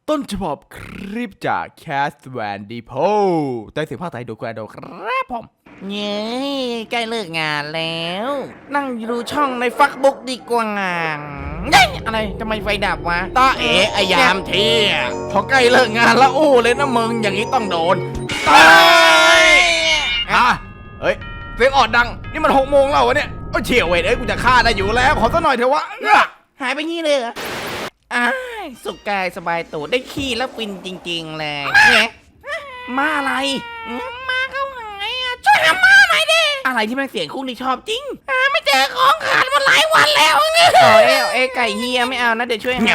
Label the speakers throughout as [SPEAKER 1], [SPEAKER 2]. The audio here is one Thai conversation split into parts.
[SPEAKER 1] ต้นฉบับคลิปจากแคสแวนดีโพได้เสียงภาคไทยโดยคุณอาโดครับผม
[SPEAKER 2] เย้ใกล้เลิกงานแล้ว นั่งดูช่องในฟักบุ๊กดีกว่าเย้อะไรทำไมไฟดับวะ
[SPEAKER 3] ตาเอ๋ไอยามเที่ยพอใกล้เลิกงานแล้วอู้เลยนะมึงอย่างนี้ต้องโดนตายเฮ้ยเสียงออดดังนี่มัน6 โมงแล้ววะเนี่ยเฉียวเว้ยกูจะฆ่าได้อยู่แล้วขอสักหน่อยเถอะวะ
[SPEAKER 2] หายไปงี้เลยเหรอสุขกายสบายตัวได้ขี้แล้วฟินจริงๆเลยเนี่ยมาอะไรมาเข้าหายช่วยหามาหน่อยดิอะไรที่แม่งเสียงคุ้งที่ชอบจริงไม่เจอของขาดมาหลายวันแล้วเอ้ไก่เฮียไม่เอานะเดี๋ยวช่วยหา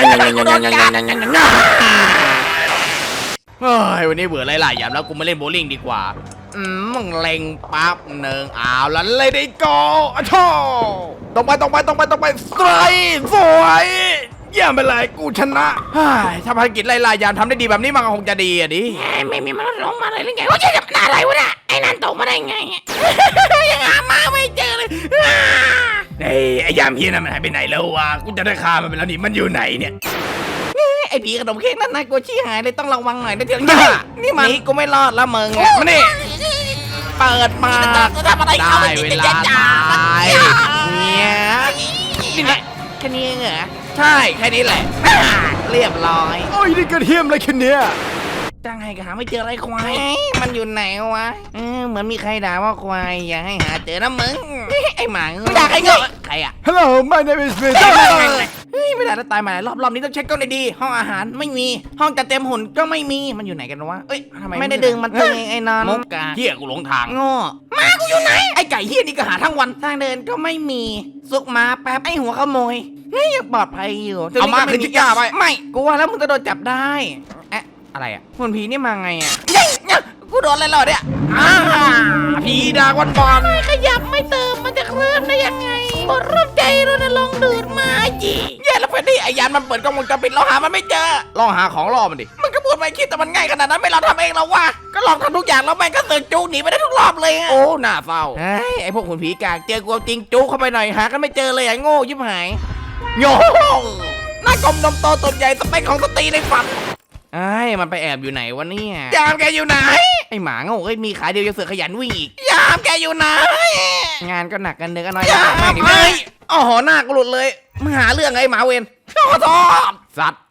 [SPEAKER 3] เฮ้ยวันนี้เบื่อหลายๆอย่างแล้วกูมาเล่นโบว์ลิ่งดีกว่ามึงเล็งปั๊บหนึ่งแล้วเลยได้โกอ่ะโธ่ตรงไปสไตร์สวยเยี่ยมไปเลยกูชนะถ้าภารกิจหลายๆอย่างทำได้ดีแบบนี้มันก็คงจะดีอ่ะดิ
[SPEAKER 2] ไม่มีมันลงมาเลยหรือไงว่าจะจับอะไรวะเนี่ยไอ้นั่นตกมาได้ไงยังหามาไม่เจอเลย
[SPEAKER 3] ไอ้ยามเฮียนั่นมันหายไปไหนแล้ววะกูจะได้ฆ่ามันไปแล้วนี่มันอยู่ไหนเนี่ย
[SPEAKER 2] ไอ้ผีขนมเค้กนั่นนายกลัวชี้หายเลยต้องระวังหน่อยนะเดี๋ยวนี่มันกูไม่รอดละมึง
[SPEAKER 3] มานี่
[SPEAKER 2] เปิดมา
[SPEAKER 3] ได้เวลาตาย
[SPEAKER 2] เนี่ยนี่แหละแค่นี้เหรอ
[SPEAKER 3] ใช่แค่นี้แหละ
[SPEAKER 2] เรียบร้อย
[SPEAKER 1] โอ้ยนี่กระเทียมอะไรแค่เนี้ย
[SPEAKER 2] จ้างให้ก็หาไม่เจออะไรควายมันอยู่ไหนวะเหมือนมีใครด่าว่าควายอย่าให้หาเจอนะมึงไอ้หมา
[SPEAKER 3] ไม่ด่าใครเงา
[SPEAKER 2] ใครอะ
[SPEAKER 1] Hello my name is Peter
[SPEAKER 2] ไม่ได้แล้วตายมาหลายรอบนี้ต้องเช็คกล้องดีๆห้องอาหารไม่มีห้องจัดเต็มหุ่นก็ไม่มีมันอยู่ไหนกันวะทำไมไม่ได้ดึงมันตึงไอ้นอน
[SPEAKER 3] มุกกาเฮียกูหลงทาง
[SPEAKER 2] โง่มากูอยู่ไหนไอ้ไก่เฮียนี่ก็หาทั้งวันทางเดินก็ไม่มีซุกมาแป๊บไอ้หัวขโมยยังปลอดภัยอยู่
[SPEAKER 3] เอามาขึ้นชิก้าไป
[SPEAKER 2] ไม่กูว่าแล้วมึงจะโดนจับได้อะไรอ่ะหุ่นผีนี่มาไงอ่ะกูโดนอะไรหรอเนี่ย
[SPEAKER 3] ผีดาวันบอล
[SPEAKER 2] ขยับไม่เติมมันจะเคลื่อนได้ยังไงบนรถใจเราลองดูดมาจี
[SPEAKER 3] แย่แล้วเพื่อนดิไอ้ยานมันเปิดกล้องวงจรปิดเราหามันไม่เจอลองหาของล่อมันดิ
[SPEAKER 2] มันก็พูดไม่คิดแต่มันง่ายขนาดนั้นไม่เราทำเองเราวะก็ลองทำทุกอย่างแล้วแม่งก็เสือกจูหนีไปได้ทุกรอบเลย
[SPEAKER 3] โอ้หน้าเฝ้า
[SPEAKER 2] ไอ้พวกหุ่นผีกากเจอกูจริงจูเข้าไปหน่อยหากันไม่เจอเลยไอ้โง่ยิบหาย
[SPEAKER 3] โย่หน้ากลมนมโตตุ่มใหญ่สเปคของสตรีในฝัน
[SPEAKER 2] มันไปแอบอยู่ไหนวะเนี่ย
[SPEAKER 3] ยามแกอยู่ไหน
[SPEAKER 2] ไอหมาโง่มีขาเดียวยังเสือขยันวิ่งอีก
[SPEAKER 3] ยามแกอยู่ไหน
[SPEAKER 2] งานก็หนักกันเดือกันน้อย
[SPEAKER 3] ไม่โอ้โหหน้ากูหลุดเลย
[SPEAKER 2] มึงหาเรื่องไอ้หมาเวน
[SPEAKER 3] ขอโทษสัตว์